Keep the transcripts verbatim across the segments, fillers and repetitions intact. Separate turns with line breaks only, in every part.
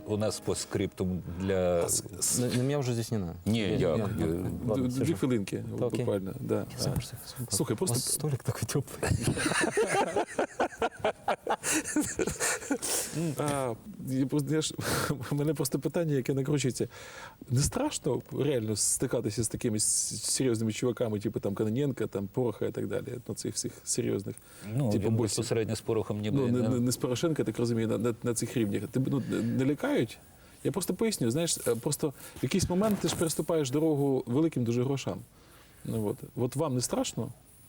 у нас по скриптум для...
На, на меня уже здесь не надо.
Ні,
Я-
як?
я-
Е,
Ладно,
Дві
сижу.
хвилинки,
Та окей.
буквально. Да.
Я сам просто-
Слухай,
У
просто
вас столик такой теплый.
А, я просто- я ж- у мене просто питання, яке накручується. Не страшно реально стикатися з такими с- серйозними чуваками, типу там Кононенка, там Пороха і так далі, ну цих всіх серйозних.
Ну,
типу,
він
босів.
безпосередньо з Порохом ніби...
Ну, не,
не-
не, не з Порошенка, так розумію, на, на, на цих рівнях. Тебе ну, не- не лякають? Я просто поясню, знаєш, е, просто в якийсь момент ти ж переступаєш дорогу великим дуже грошам. Ну, от. От вам не страшно?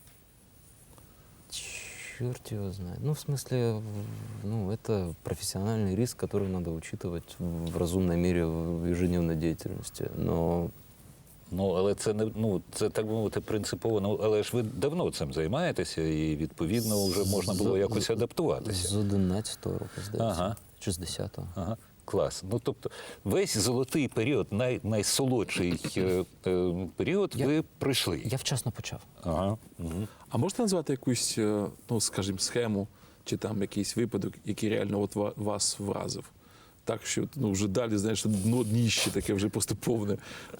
Черт его знает. Ну, в смысле, в- ну, это профессиональный риск, который надо учитывать в разумной мере в ежедневной деятельности. Но
Ну, але це не ну це так би мовити принципово. Ну але ж ви давно цим займаєтеся, і відповідно вже можна було
з-
якось адаптуватися.
з одинадцятого року, здається.
Ага.
Чи з десятого.
Ага, клас. Ну тобто весь золотий період, най, найсолодший е, е, період,
Я-
ви пройшли.
Я вчасно почав.
Ага. Угу.
А можете назвати якусь, е, ну, скажімо, схему чи там якийсь випадок, який реально от ва- вас вразив? Так, що ну, вже далі, знаєш, дно дніще таке вже просто повне.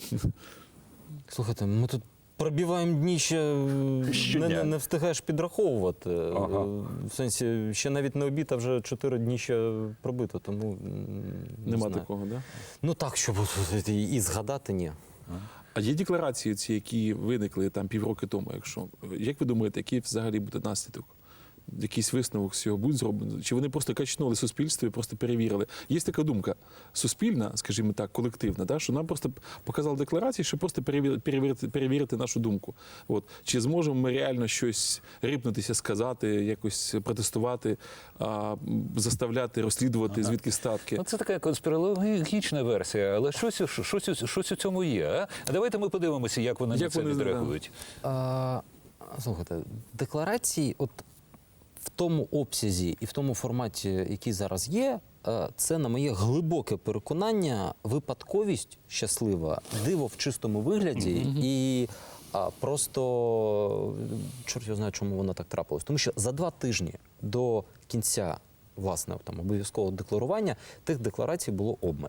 Слухайте, ми тут пробиваємо дніще, не,
Щодня.
не, не встигаєш підраховувати.
Ага.
В сенсі, ще навіть не обід, а вже чотири дніща пробито, тому м, не
Нема
знаю.
такого, так? Да?
Ну так, щоб от і, і згадати, ні.
А є декларації ці, які виникли там півроку тому, якщо. Як ви думаєте, який взагалі буде наслідок? Якийсь висновок з цього буде зроблено? Чи вони просто качнули суспільство і просто перевірили? Є така думка суспільна, скажімо так, колективна, да, що нам просто показали декларації, щоб просто перевірити, перевірити, перевірити нашу думку. От. Чи зможемо ми реально щось рипнутися, сказати, якось протестувати, а, заставляти, розслідувати, звідки статки?
Ну, це така конспірологічна версія, але щось, у- щось, у- щось у цьому є. А? А давайте ми подивимося, як вони на
Як
це
вони, да.
відреагують.
А, слухайте, декларації, от в тому обсязі і в тому форматі, який зараз є, е, це, на моє глибоке переконання, випадковість щаслива, диво в чистому вигляді і а, просто чорт його знає, чому воно так трапилось. Тому що за два тижні до кінця власне там обов'язкового декларування тих декларацій було обмаль.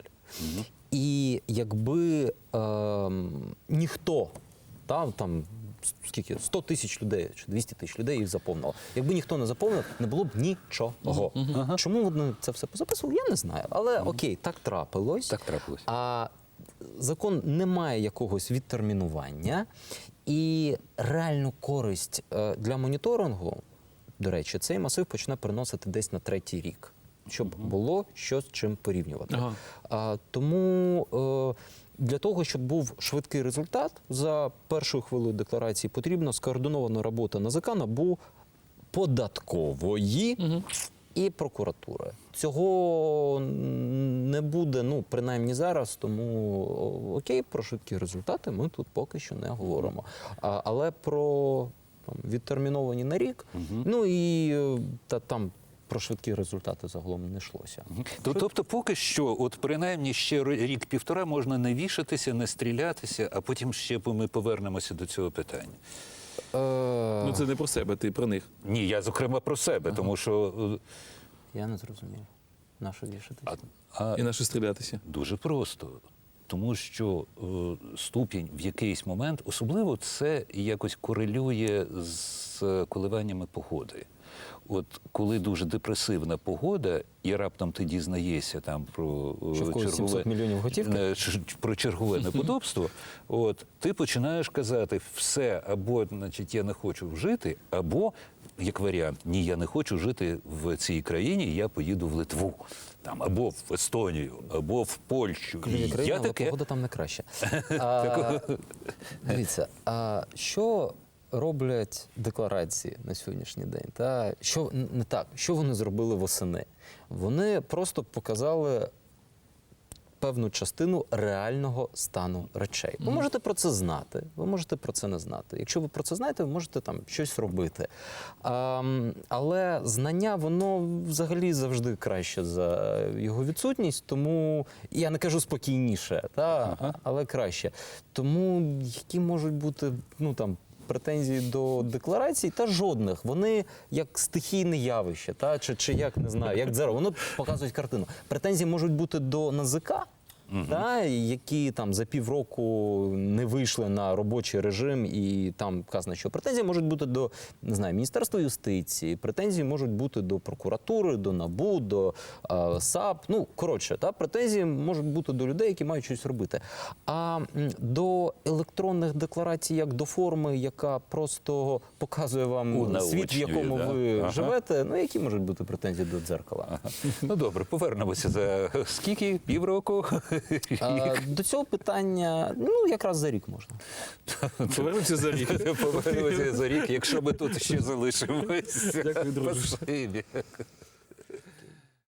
І якби е, ніхто там, там скільки сто тисяч людей чи двісті тисяч людей їх заповнило. Якби ніхто не заповнив, не було б нічого. Чому вони це все позаписували, я не знаю. Але окей, так трапилось.
Так трапилось.
А закон не має якогось відтермінування, і реальну користь е, для моніторингу, до речі, цей масив почне приносити десь на третій рік, щоб було що з чим порівнювати.
Ага.
А, тому е, для того, щоб був швидкий результат, за першою хвилею декларації потрібна скоординована робота НАЗК, НАБУ, податкової і прокуратури. Цього не буде, ну, принаймні зараз, тому окей, про швидкі результати ми тут поки що не говоримо. А, але про там, відтерміновані на рік, ну і е, та, там про швидкі результати загалом не йшлося.
То- Тобто поки що, от принаймні ще рік-півтора можна не вішатися, не стрілятися, а потім ще ми повернемося до цього питання.
Е,
Ну це не про себе, ти про них.
Ні, я зокрема про себе, тому що е,
Я не зрозумів. На що вішатися?
а, а
І на що стрілятися.
дуже просто. Тому що е, ступінь в якийсь момент, особливо це якось корелює з коливаннями погоди. От коли дуже депресивна погода, і раптом ти дізнаєшся там про е,
Що в когось сімсот мільйонів готівки?
е, ч- про чергове неподобство, от ти починаєш казати все, або значить я не хочу жити, або як варіант, ні, я не хочу жити в цій країні, я поїду в Литву. Там, або в Естонію, або в Польщу.
Країна,
І
країна,
я
але
таке...
погода там не краще. А, дивіться, а що роблять декларації на сьогоднішній день? Та що не так? Що вони зробили восени? Вони просто показали певну частину реального стану речей. Ви можете про це знати, ви можете про це не знати. Якщо ви про це знаєте, ви можете там щось робити. А, але знання, воно взагалі завжди краще за його відсутність, тому я не кажу спокійніше, та, але краще. Тому які можуть бути, ну там, претензій до декларацій, та жодних. Вони як стихійне явище, та чи, чи як не знаю, як дзеро. Воно показують картину. Претензії можуть бути до НАЗК, та, які там за півроку не вийшли на робочий режим, і там вказано, що претензії можуть бути до, не знаю, Міністерства юстиції, претензії можуть бути до прокуратури, до НАБУ, до е, САП. Ну, коротше, та, претензії можуть бути до людей, які мають щось робити. А м, до електронних декларацій, як до форми, яка просто показує вам
Унаочнює,
світ, в якому
да?
ви
Ага.
живете, ну, які можуть бути претензії до дзеркала?
Ну добре, повернемося за скільки? Півроку?
А, до цього питання, ну, якраз за рік можна.
Повернемося за рік.
Повернемося за рік, якщо ми тут ще залишимося.
Дякую, друже.
Спасибі.